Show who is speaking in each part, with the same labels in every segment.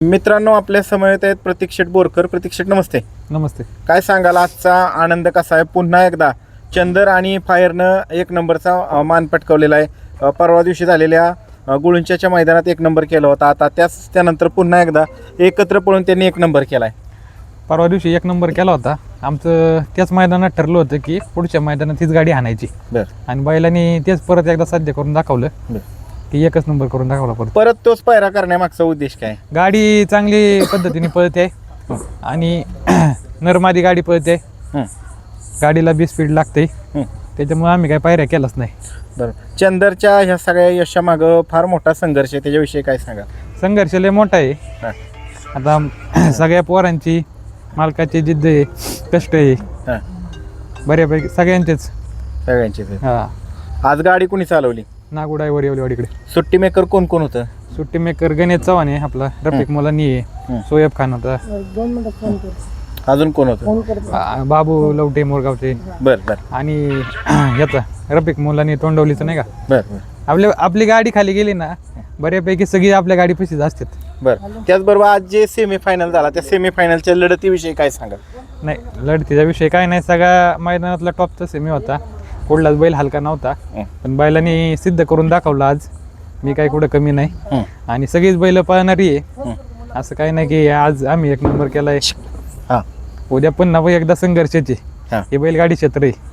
Speaker 1: मित्रांनो, आपल्या समवेत आहेत प्रतीक शेठ बोरकर. प्रतीक शेठ, नमस्ते.
Speaker 2: नमस्ते.
Speaker 1: काय सांगाल, आजचा आनंद कसा आहे? पुन्हा एकदा चंदर आणि फायरनं एक नंबरचा मान पटकावलेला आहे. परवा दिवशी झालेल्या गुळुंच्याच्या मैदानात एक नंबर केला होता. आता त्यानंतर पुन्हा एकदा एकत्र पळून त्यांनी एक नंबर केला आहे.
Speaker 2: परवा दिवशी एक नंबर केला होता. आमचं त्याच मैदानात ठरलं होतं की पुढच्या मैदानात तीच गाडी आणायची. आणि बैलांनी तेच परत एकदा साध्य करून दाखवलं की एकच नंबर करून दाखवला.
Speaker 1: परत तोच पायरा करण्यामागचा उद्देश काय?
Speaker 2: गाडी चांगली पद्धतीने पळते आणि नरमादी गाडी पळते. गाडीला बी स्पीड लागते, त्याच्यामुळे आम्ही काही पायऱ्या केलाच नाही.
Speaker 1: बरं, चंदरच्या ह्या सगळ्या यशामागं फार मोठा संघर्ष आहे, त्याच्याविषयी काय सांगा?
Speaker 2: संघर्ष लय मोठा आहे. आता सगळ्या पोरांची, मालकाची जिद्द आहे, कष्ट आहे, बऱ्यापैकी सगळ्यांचेच.
Speaker 1: हा, आज गाडी कोणी चालवली?
Speaker 2: नागुडाईवर येवलेवाडीकडे.
Speaker 1: सुट्टी मेकर कोण कोण होतं?
Speaker 2: सुट्टी मेकर गणेश चव्हाण आहे आपला, रफिक मुलांनी आहे, सोयब खान होता,
Speaker 1: अजून कोण होतं?
Speaker 2: बाबू लवटे मोरगावचे.
Speaker 1: बरं.
Speaker 2: आणि याचा रफिक मुलांनी तोंडवलीचं नाही का.
Speaker 1: बरं.
Speaker 2: आपली गाडी खाली गेली ना, बऱ्यापैकी सगळी आपल्या गाडी पशीच असतात.
Speaker 1: बरं, त्याचबरोबर आज जे सेमीफायनल झाला, त्या सेमीफायनलच्या लढतीविषयी काय सांगा?
Speaker 2: नाही, लढतीचा विषय काय नाही, सगळ्या मैदानातला टॉपचा सेमी होता. कुठलाच बैल हलका नव्हता, पण बैलांनी सिद्ध करून दाखवलं आज. मी काही कुठं कमी नाही, आणि सगळीच बैल पळणारी आहे. असं काही नाही की आज आम्ही एक नंबर केलाय, उद्या पुन्हा एकदा संघर्षाची हे बैलगाडी क्षेत्र आहे.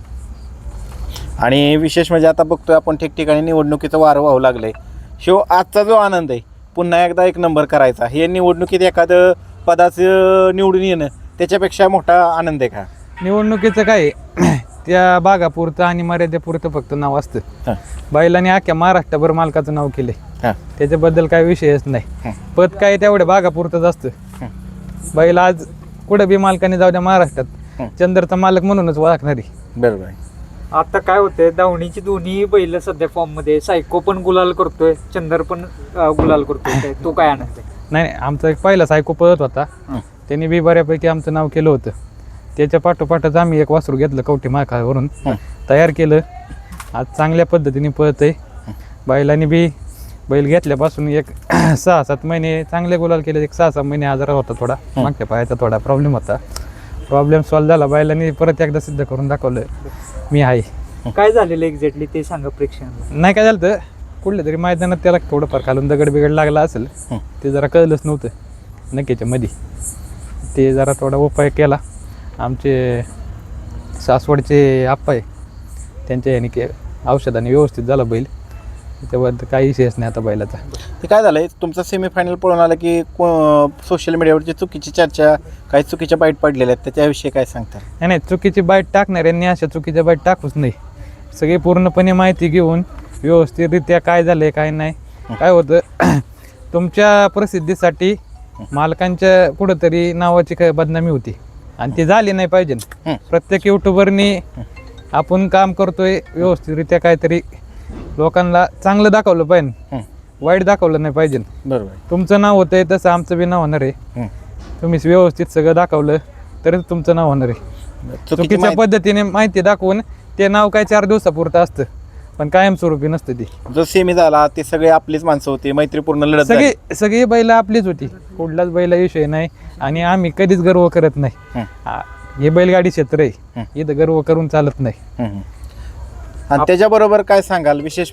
Speaker 1: आणि विशेष म्हणजे आता बघतोय आपण ठिकठिकाणी निवडणुकीचं वारं वाहू लागलंय. आजचा जो आनंद आहे, पुन्हा एकदा एक नंबर करायचा, हे निवडणुकीत एखादं पदाचं निवडून येणं त्याच्यापेक्षा मोठा आनंद आहे का?
Speaker 2: निवडणुकीचं काय त्या भागापुरतं आणि मर्यादेपुरतं फक्त नाव असतं. बैलांनी अख्ख्या महाराष्ट्रभर मालकाचं नाव केलंय, त्याच्याबद्दल काय विषयच नाही. पद काय तेवढ्या भागापुरतंच असतं. बैल आज कुठं बी मालकाने जाऊ द्या, महाराष्ट्रात चंदरचा मालक म्हणूनच ओळखणारी.
Speaker 1: बरोबर.
Speaker 3: आता काय होतंय, धावणीची दोन्ही बैल सध्या फॉर्म मध्ये. सायको पण गुलाल करतोय, चंदर पण गुलाल करतोय. तो काय आनंद आहे?
Speaker 2: नाही, आमचा एक पहिला सायको पळत होता, त्यांनी बी बऱ्यापैकी आमचं नाव केलं होतं. त्याच्या पाठोपाठच आम्ही एक वासरू घेतलं कवठी माखावरून, तयार केलं. आज चांगल्या पद्धतीने पळत आहे. बैलांनी बी बैल घेतल्यापासून एक 6-7 महिने चांगले गुलाल केले. एक 6-6 महिने आजार होता, थोडा मागच्या पायाचा थोडा प्रॉब्लेम होता. प्रॉब्लेम सॉल्व्ह झाला. बैलांनी परत एकदा सिद्ध करून दाखवलं मी आहे.
Speaker 3: काय झालेलं एक्झॅक्टली ते सांगा प्रेक्षकांना.
Speaker 2: नाही, काय झालं तर कुठल्या तरी मैदानात त्याला थोडंफार खालून दगड बिगड लागला असेल, ते जरा कळलंच नव्हतं नक्कीच्या मध्ये. ते जरा थोडा उपाय केला. आमचे सासवडचे आप्पा आहे, त्यांच्या याने औषधाने व्यवस्थित झाला बैल. त्याच्याबद्दल काही विषयच नाही आता बैलाचा.
Speaker 1: ते काय झालंय, तुमचा सेमीफायनल पळून आला की सोशल मीडियावरची चुकीची चर्चा, काही चुकीच्या बाईट पडलेल्या आहेत, त्याच्याविषयी काय सांगता?
Speaker 2: नाही, चुकीची बाईट टाकणाऱ्यांनी अशा चुकीच्या बाईट टाकूच नाही. सगळी पूर्णपणे माहिती घेऊन व्यवस्थितरित्या काय झालंय काय नाही. काय होतं, तुमच्या प्रसिद्धीसाठी मालकांच्या कुठंतरी नावाची बदनामी होती, आणि ती झाली नाही पाहिजे. प्रत्येक युट्यूबरनी आपण काम करतोय व्यवस्थितरित्या, काहीतरी लोकांना चांगलं दाखवलं पाहिजे, वाईट दाखवलं नाही पाहिजे.
Speaker 1: बरोबर.
Speaker 2: तुमचं नाव होतंय तसं आमचं बी नाव होणार आहे. तुम्ही व्यवस्थित सगळं दाखवलं तरच तुमचं नाव होणार आहे. चुकीच्या पद्धतीने माहिती दाखवून ते नाव काय 4 दिवसापुरतं असतं, पण कायमस्वरूपी नसतं. ती
Speaker 1: जो सेमी झाला ते सगळे आपलीच माणसं होती, मैत्रीपूर्ण लढत.
Speaker 2: सगळी बैल आपलीच होती, कुठलाच बैला विषय नाही. आणि आम्ही कधीच गर्व करत नाही. हे बैलगाडी क्षेत्र आहे, इथं गर्व करून चालत नाही.
Speaker 1: आणि त्याच्याबरोबर काय सांगाल विशेष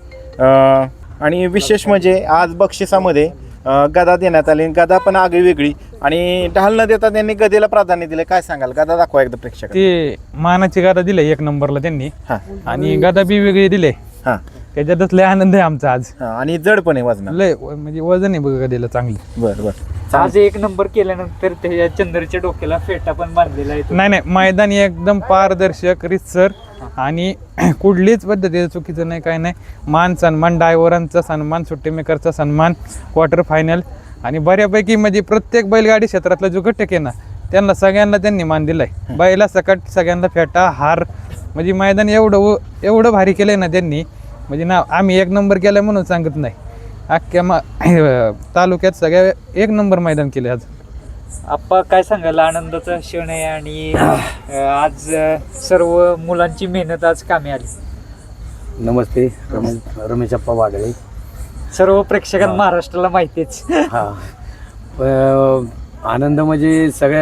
Speaker 1: म्हणजे आज बक्षिसामध्ये गदा देण्यात आली. गदा पण आगळी वेगळी, आणि ढाल न देता त्यांनी गदेला प्राधान्य दिले. काय सांगाल? गदा दाखवा एकदा प्रेक्षक.
Speaker 2: ते मानाची गदा दिले 1 नंबरला त्यांनी, आणि गदा बी वेगळी दिले. त्याच्यातच लय आनंद आहे आमचा आज.
Speaker 1: आणि जड पण आहे वजन,
Speaker 2: लय म्हणजे वजन आहे बघा गदेला चांगली.
Speaker 1: बरं.
Speaker 3: आज एक नंबर केल्यानंतर त्या चंदरच्या डोक्याला फेटा पण बांधलेला आहे.
Speaker 2: नाही, मैदान एकदम पारदर्शक, रितसर, आणि कुठलीच पद्धतीचं चुकीचं नाही, काय नाही. मान सन्मान, ड्रायव्हरांचा सन्मान, सुट्टी मेकरचा सन्मान, क्वार्टर फायनल, आणि बऱ्यापैकी म्हणजे प्रत्येक बैलगाडी क्षेत्रातला जो घटक आहे ना, त्यांना सगळ्यांना त्यांनी मान दिलाय. बैला सकट सगळ्यांना फेटा, हार, म्हणजे मैदान एवढं भारी केलंय ना त्यांनी. म्हणजे ना आम्ही एक नंबर केलाय म्हणून सांगत नाही, अख्ख्या तालुक्यात सगळ्या एक नंबर मैदान केले आज.
Speaker 3: आप्पा, काय सांगाल? आनंदाचा क्षण आहे, आणि आज सर्व मुलांची मेहनत आज कामी आली.
Speaker 4: नमस्ते, रमेश अप्पा वागळे.
Speaker 3: सर्व प्रेक्षकांना महाराष्ट्राला माहितीच.
Speaker 4: हा, आनंद म्हणजे सगळ्या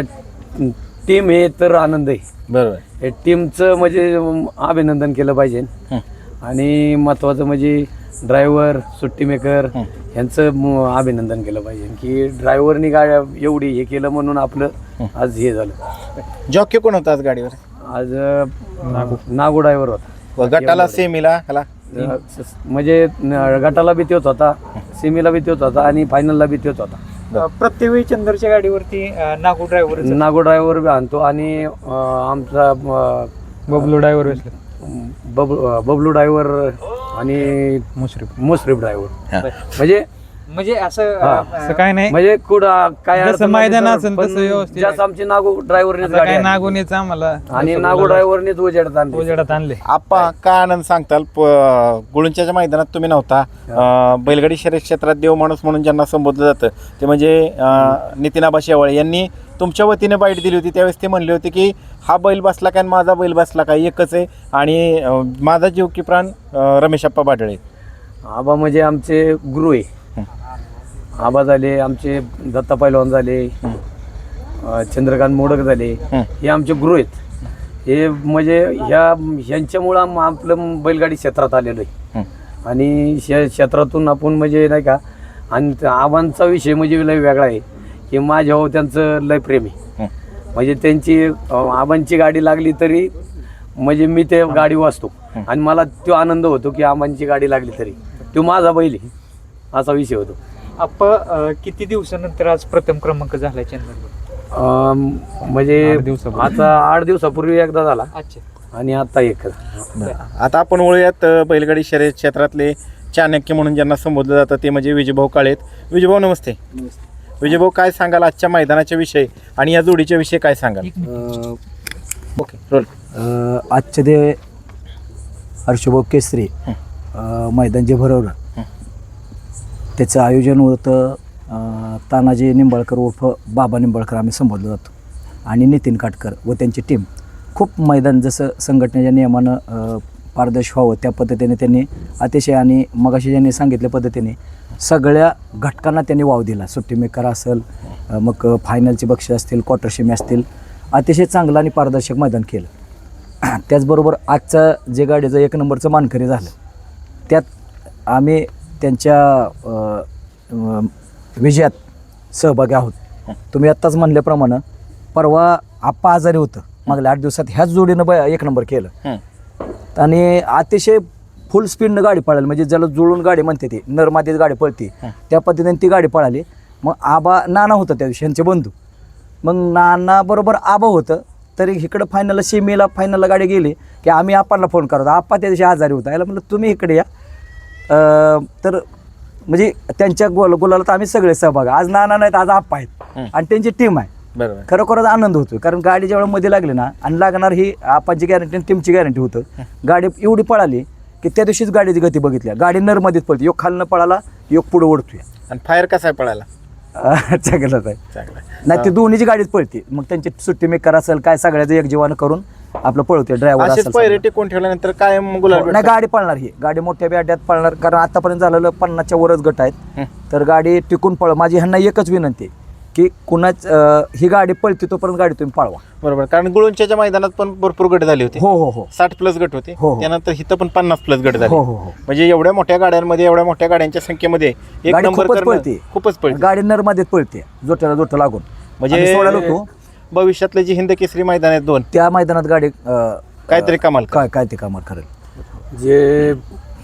Speaker 4: टीम हे तर आनंद आहे.
Speaker 1: बरोबर.
Speaker 4: हे टीमचं म्हणजे अभिनंदन केलं पाहिजे. आणि महत्त्वाचं म्हणजे ड्रायव्हर सुट्टी मेकर यांचं अभिनंदन केलं पाहिजे की ड्रायव्हरनी गाड्या एवढी हे केलं म्हणून आपलं आज हे झालं.
Speaker 1: जॉकी कोण होता आज गाडीवर?
Speaker 4: आज नागू ड्रायव्हर होता.
Speaker 1: गटाला सेमीला ह्याला
Speaker 4: म्हणजे गटाला बी तोच होता, सेमीला बी तोच होता आणि फायनलला बी तोच होता.
Speaker 3: प्रत्येक वेळी चंदरच्या गाडीवरती नागू ड्रायव्हर
Speaker 4: नागो ड्रायव्हर बी आणतो आणि आमचा
Speaker 2: बबलू ड्रायव्हर बसले,
Speaker 4: बबलू ड्रायव्हर आणि मुश्रीफ ड्रायव्हर
Speaker 3: म्हणजे असं
Speaker 2: असं काय नाही,
Speaker 4: म्हणजे कुठं काय
Speaker 2: जसं
Speaker 4: अडचण
Speaker 2: मैदान
Speaker 4: नाही
Speaker 2: असेल
Speaker 4: पण
Speaker 2: तसं व्यवस्थित
Speaker 4: जास्त आमची नागो ड्रायव्हरनेच
Speaker 2: आता
Speaker 4: गाडी
Speaker 2: काय
Speaker 4: आणली.
Speaker 2: नागूनेच आम्हाला
Speaker 4: आणि नागो ड्रायव्हरनेच उजेडात आणली.
Speaker 2: उजेडात आणले.
Speaker 1: आप्पा काय आनंद सांगताल? गुळुंच्याच्या मैदानात तुम्ही नव्हता. बैलगाडी शर्यत क्षेत्रात देव माणूस म्हणून ज्यांना संबोधलं जातं ते म्हणजे नितीन आबा शेवाळे यांनी तुमच्या वतीने बाईट दिली होती. त्यावेळेस ते म्हणले होते की हा बैल बसला काय आणि माझा बैल बसला काय एकच आहे आणि माझा जीव की प्राण रमेशप्पा बाडळे.
Speaker 4: आबा म्हणजे आमचे गुरु आहे. आबा झाले आमचे दत्ता पैलवान झाले, चंद्रकांत मोडक झाले, हे आमचे गुरु आहेत. हे म्हणजे ह्यांच्यामुळं आपलं बैलगाडी क्षेत्रात आलेलो आहे. आणि क्षेत्रातून आपण म्हणजे नाही का, आणि आबांचा विषय म्हणजे लय वेगळा आहे की माझ्यावर त्यांचं लय प्रेम आहे. म्हणजे त्यांची आबांची गाडी लागली तरी म्हणजे मी ते गाडी वाचतो आणि मला तो आनंद होतो की आबांची गाडी लागली तरी तो माझा बैल आहे, असा विषय होतो.
Speaker 3: आपण किती दिवसानंतर आज प्रथम क्रमांक झालाय चंदर?
Speaker 4: म्हणजे
Speaker 2: 8 दिवसापूर्वी.
Speaker 4: आता 8 दिवसापूर्वी एकदा झाला
Speaker 3: अच्छा.
Speaker 4: आणि आता एक.
Speaker 1: आता आपण वळूयात बैलगाडी शर्यत क्षेत्रातले चाणक्य म्हणून ज्यांना संबोधलं जातं ते म्हणजे विजयभाऊ काळेत. विजयभाऊ नमस्ते. विजयभाऊ काय सांगाल आजच्या मैदानाच्या विषयी आणि या जोडीच्या विषयी काय सांगाल? Okay role.
Speaker 5: आजचे ते हर्षभाऊ केसरी मैदान जे भरवलं त्याचं आयोजन होतं तानाजी निंबाळकर उर्फ बाबा निंबाळकर आम्ही संबोधलं जातो आणि नितीन काटकर व त्यांची टीम. खूप मैदान जसं संघटनेच्या नियमानं पारदर्शी व्हावं त्या पद्धतीने त्यांनी अतिशय आणि मगाशी ज्यांनी सांगितल्या पद्धतीने सगळ्या घटकांना त्यांनी वाव दिला. सुट्टी मेकर असेल, मग फायनलचे बक्षीस असतील, क्वार्टर सेमी असतील, अतिशय चांगलं आणि पारदर्शक मैदान केलं. त्याचबरोबर आजचं जे गाडीचं 1 नंबरचं मानकरी झालं त्यात आम्ही त्यांच्या विजयात सहभागी आहोत. तुम्ही आत्ताच म्हणल्याप्रमाणे परवा आप्पा आजारी होतं, मागल्या 8 दिवसात ह्याच जोडीनं 1 नंबर केलं आणि अतिशय फुल स्पीडनं गाडी पळाली. म्हणजे ज्याला जुळून गाडी म्हणते ती नरमादीच गाडी पळते त्या पद्धतीने ती गाडी पळाली. मग आबा नाना होतं त्या दिवशी यांचे बंधू, मग नाना बरोबर आबा होतं तरी इकडं फायनलला गाडी गेली की आम्ही आप्पांना फोन करतो. आप्पा त्या दिवशी आजारी होता, याला म्हटलं तुम्ही इकडे या. तर म्हणजे त्यांच्या गुलाला तर आम्ही सगळे सहभाग. आज नाना नाहीत, आज आप्पा आहेत आणि त्यांची टीम आहे.
Speaker 1: बरोबर.
Speaker 5: खरोखरच आनंद होतो कारण गाडी जेव्हा मध्ये लागली ना आणि लागणार ही आप्पांची गॅरंटी आणि टीमची गॅरंटी होतं. गाडी एवढी पळाली की त्या दिवशीच गाडीची गती बघितल्या. गाडी नरमध्येच पळते, योग खालनं पळाला, योग पुढे ओढतोय.
Speaker 1: आणि फायर कसा आहे पळायला?
Speaker 5: चांगलंच आहे.
Speaker 1: चांगला.
Speaker 5: नाही, ती दोन्हीची गाडीच पळते. मग त्यांची सुट्टी मेकर असेल काय सगळ्याचं एक जीवानं करून आपलं पळवते. ड्रायव्हर
Speaker 1: असेच
Speaker 5: असेल
Speaker 1: पैरे टिकून ठेवल्यानंतर काय गुलाल
Speaker 5: नाही, गाडी पळणार ही गाडी मोठ्या बॅट्यात पळणार कारण आतापर्यंत झालेलं 50च्या वरच गट आहेत. तर गाडी टिकून पळ. माझी ह्यांना एकच विनंती आहे की कुणाच ही गाडी पळते तोपर्यंत गाडी तुम्ही पळवा.
Speaker 1: बरोबर. कारण गुळुंच्याच्या मैदानात पण भरपूर गट झाले होते.
Speaker 5: हो हो हो
Speaker 1: 60+ गट होते.
Speaker 5: हो, हो.
Speaker 1: त्यानंतर इथं पण 50+ गट झाले.
Speaker 5: हो हो हो
Speaker 1: म्हणजे एवढ्या मोठ्या गाड्यांमध्ये एवढ्या मोठ्या गाड्यांच्या संख्येमध्ये एक
Speaker 5: गाडी
Speaker 1: नंबर
Speaker 5: खूपच
Speaker 1: करणं
Speaker 5: पळते.
Speaker 1: खूपच पळते.
Speaker 5: गाडी नरमध्येच पळते, जोट्याला जोट लागून.
Speaker 1: म्हणजे
Speaker 5: आम्ही सोडायला होतो
Speaker 1: भविष्यातले जे हिंद केसरी मैदान आहेत 2
Speaker 5: त्या मैदानात गाडी
Speaker 1: काहीतरी कमाल करेल.
Speaker 5: काय ते कामात करेल.
Speaker 4: जे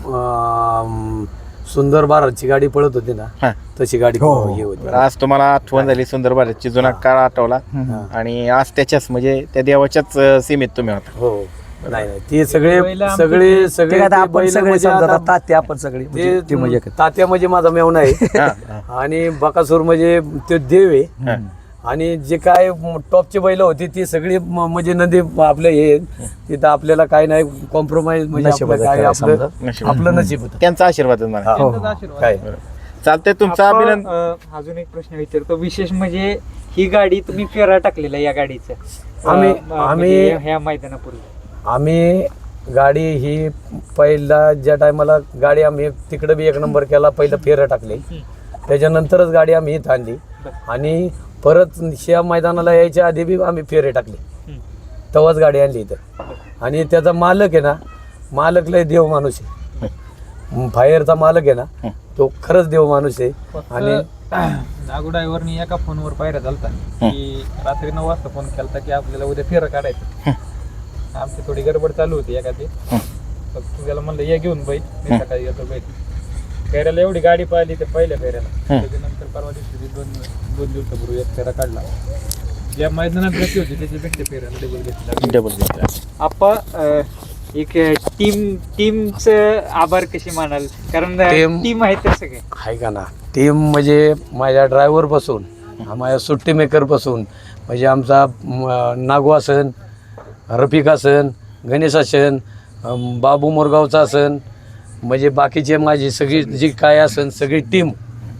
Speaker 4: सुंदर भारतची गाडी पळत होती ना
Speaker 1: हा.
Speaker 4: तशी गाडी
Speaker 5: हो, हो.
Speaker 4: हे होती.
Speaker 1: आज तुम्हाला आठवण झाली सुंदर भारतची, जुना काळ आठवला आणि आज त्याच्याच म्हणजे त्या देवाच्याच सीमेत तुम्ही होता.
Speaker 4: हो नाही ते सगळे
Speaker 3: बैलं
Speaker 4: सगळे
Speaker 5: ते
Speaker 4: सगळे
Speaker 5: काय आता
Speaker 4: ते
Speaker 5: आपण
Speaker 4: बैलं
Speaker 5: सगळे
Speaker 4: म्हणजे
Speaker 5: समजा
Speaker 4: आता
Speaker 5: तात्या आपण सगळे म्हणजे ती म्हणजे
Speaker 4: ते तात्या म्हणजे माझा मेवणा आहे
Speaker 1: हा, हा.
Speaker 4: आणि बकासूर म्हणजे ते देव आहे. आणि जे काय टॉपची बैल होती ती सगळी म्हणजे नदी आपले हे तिथं आपल्याला काय नाही कॉम्प्रोमाइज म्हणजे आपलं
Speaker 5: नशिबाचं
Speaker 4: काय
Speaker 5: काय
Speaker 4: आपलं
Speaker 1: नशीब.
Speaker 4: आपलं नशीब होतं.
Speaker 1: त्यांचा आशीर्वाद मला.
Speaker 5: हो,
Speaker 4: काय
Speaker 1: चालतंय. तुमचा
Speaker 3: आपण,
Speaker 1: अभिनंदन.
Speaker 3: अजून एक प्रश्न विचारतो. विशेष म्हणजे ही गाडी तुम्ही फेरा टाकलेला या गाडीचं
Speaker 4: आम्ही
Speaker 3: ह्या मैदानापूर्वी
Speaker 4: आम्ही गाडी ही पहिला ज्या टायमाला गाडी आम्ही तिकडे बी 1 नंबर केला, पहिलं फेरं टाकले, त्याच्यानंतरच गाडी आम्ही इथं आणली. आणि परत ह्या मैदानाला यायच्या आधी बी आम्ही फेरे टाकले, तेव्हाच गाडी आणली इथं. आणि त्याचा मालक आहे ना, मालक लय देव माणूस आहे. फायरचा मालक आहे ना, तो खरंच देव माणूस आहे. आणि
Speaker 2: नागू ड्रायव्हरनी एका फोनवर पायऱ्या झालता की रात्री 9 वाजता फोन केलता की आपल्याला उद्या फेरं काढायचं. आमची थोडी गडबड चालू होती एखादी, तू त्याला म्हणलं ये घेऊन बैल, मी सकाळी येतो बैल. फेऱ्याला एवढी गाडी पाहिली ते पहिल्या फेऱ्याला, त्याच्यानंतर परवा दिवशी दोन दिवसापूर्वी एक फेरा काढला. ज्या मैदानात गती होती त्याच्यापेक्षा फेऱ्याला डबल घेतला.
Speaker 1: डबल घेतला.
Speaker 3: आप्पा एक टीमचं आभार कशी मानाल, कारण टीम आहे तर सगळे
Speaker 4: आहे का ना. टीम म्हणजे माझ्या ड्रायव्हरपासून, माझ्या सुट्टी मेकरपासून, म्हणजे आमचा नागू असन, रफिक असन, गणेश असन, बाबू मोरगावचा असन, म्हणजे बाकीचे माझी सगळी जी काय असन सगळी टीम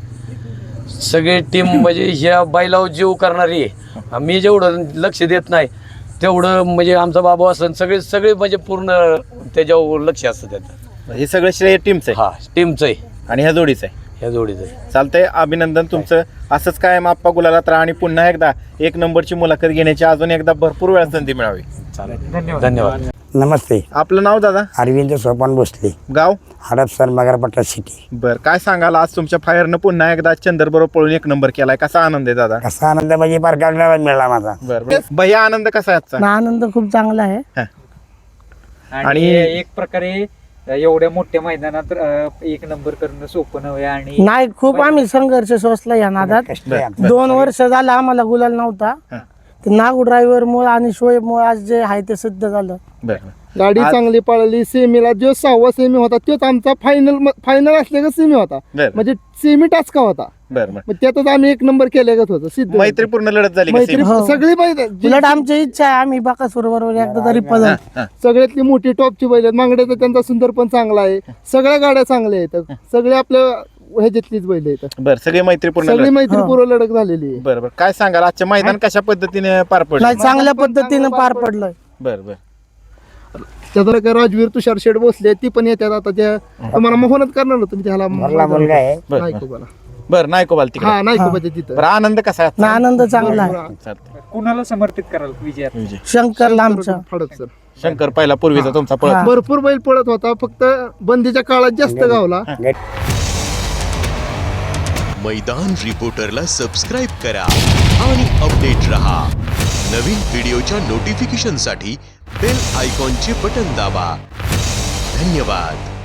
Speaker 4: म्हणजे ह्या बैलावर जीव करणारी आहे. मी जेवढं लक्ष देत नाही तेवढं म्हणजे आमचा बाबू असन सगळे म्हणजे पूर्ण त्याच्यावर लक्ष असतं त्याचं.
Speaker 1: हे सगळं श्रेय टीमचं आहे
Speaker 4: हा टीमचं आहे,
Speaker 1: आणि ह्या जोडीचं आहे.
Speaker 4: ह्या जोडीचं आहे.
Speaker 1: चालतंय, अभिनंदन तुमचं. असंच कायम आप्पा गुलालात राहा आणि पुन्हा एकदा एक नंबरची मुलाखत घेण्याची अजून एकदा भरपूर वेळा संधी मिळावी.
Speaker 4: चालेल,
Speaker 3: धन्यवाद.
Speaker 4: धन्यवाद.
Speaker 6: नमस्ते.
Speaker 1: आपलं नाव दादा?
Speaker 6: अरविंद सोपान भोसले,
Speaker 1: गाव?
Speaker 6: हडपसर, मगरपट्टा सिटी.
Speaker 1: बर, काय सांगाल आज तुमच्या फायरनं पुन्हा एकदा चंदर बरोबर पळून एक नंबर केलाय, कसा आनंद आहे दादा?
Speaker 6: कसा आनंद म्हणजे परगावला मिळाला माझा.
Speaker 1: बर, भैया आनंद कसा आहे आजचा?
Speaker 7: आनंद खूप चांगला आहे.
Speaker 3: आणि एक प्रकारे एवढ्या मोठ्या मैदानात एक नंबर करणं सोपं नव्हे. आणि
Speaker 7: नाही, खूप आम्ही संघर्ष सोसला या नादात.
Speaker 6: कष्ट आहे आमचा.
Speaker 7: 2 वर्ष झालं आम्हाला गुलाल नव्हता. ते नागू ड्रायव्हर मुळे आणि शोएब मुळे आज जे आहे ते सिद्ध झालं.
Speaker 1: बर,
Speaker 8: गाडी चांगली पळाली. सेमीला जो 6वा सेमी होता तोच आमचा फायनल असल्याचा सेमी होता,
Speaker 1: बर,
Speaker 8: म्हणजे सेमी टाचका होता.
Speaker 1: बर, बर.
Speaker 8: मग त्यातच आम्ही एक नंबर केल्यागत होतो. सिद्ध
Speaker 1: मैत्रीपूर्ण लढत झाली का
Speaker 8: मैत्री
Speaker 1: सेमी?
Speaker 7: हो.
Speaker 8: सगळी बैल
Speaker 7: उलट आमची इच्छा आहे आम्ही बाकासूर बरोबर एकदा तरी पळू.
Speaker 8: सगळ्यातली मोठी टॉपची बैल आहेत. मांगड्याचा त्यांचा सुंदर पण चांगला आहे. सगळ्या गाड्या चांगल्या आहेत. सगळे आपल्या ह्याच्यातलीच बैल आहेत.
Speaker 1: बर, सगळी मैत्रीपूर्ण
Speaker 8: सगळी
Speaker 1: लढत.
Speaker 8: मैत्रीपूर्व लढत झालेली आहे.
Speaker 1: बर, बर. काय सांगाल आजच्या मैदान कशा पद्धतीने पार पडलं?
Speaker 7: नाही, चांगल्या पद्धतीनं पार पडलं.
Speaker 1: बर, बर.
Speaker 8: त्याचा काय राजवीर तुषार शेड बसले, ती पण येतात. आता त्या तुम्हाला मोहनत करणार ना तुम्ही त्याला
Speaker 6: मला मुलगा आहे.
Speaker 1: बर,
Speaker 8: नायकोबाला.
Speaker 1: बर, नायकोबाल तिकडे.
Speaker 8: हा, नायकोबाच्या तिथं.
Speaker 1: बरं, आनंद कसा आहे
Speaker 7: ना
Speaker 1: आजचा?
Speaker 7: आनंद चांगला आहे.
Speaker 1: चालतंय.
Speaker 3: कुणाला समर्पित कराल विजयात?
Speaker 1: विजय.
Speaker 7: शंकरला आमच्या.
Speaker 8: फडक सर.
Speaker 1: शंकर पहिला पूर्वीचा तुमचा पळत.
Speaker 7: हा.
Speaker 8: भरपूर बैल पळत होता, फक्त बंदीच्या काळात जास्त गावला.
Speaker 9: मैदान रिपोर्टरला सबस्क्राइब करा आणि अपडेट रहा. नवीन व्हिडिओच्या नोटिफिकेशनसाठी बेल आयकॉनचे बटन दाबा. धन्यवाद.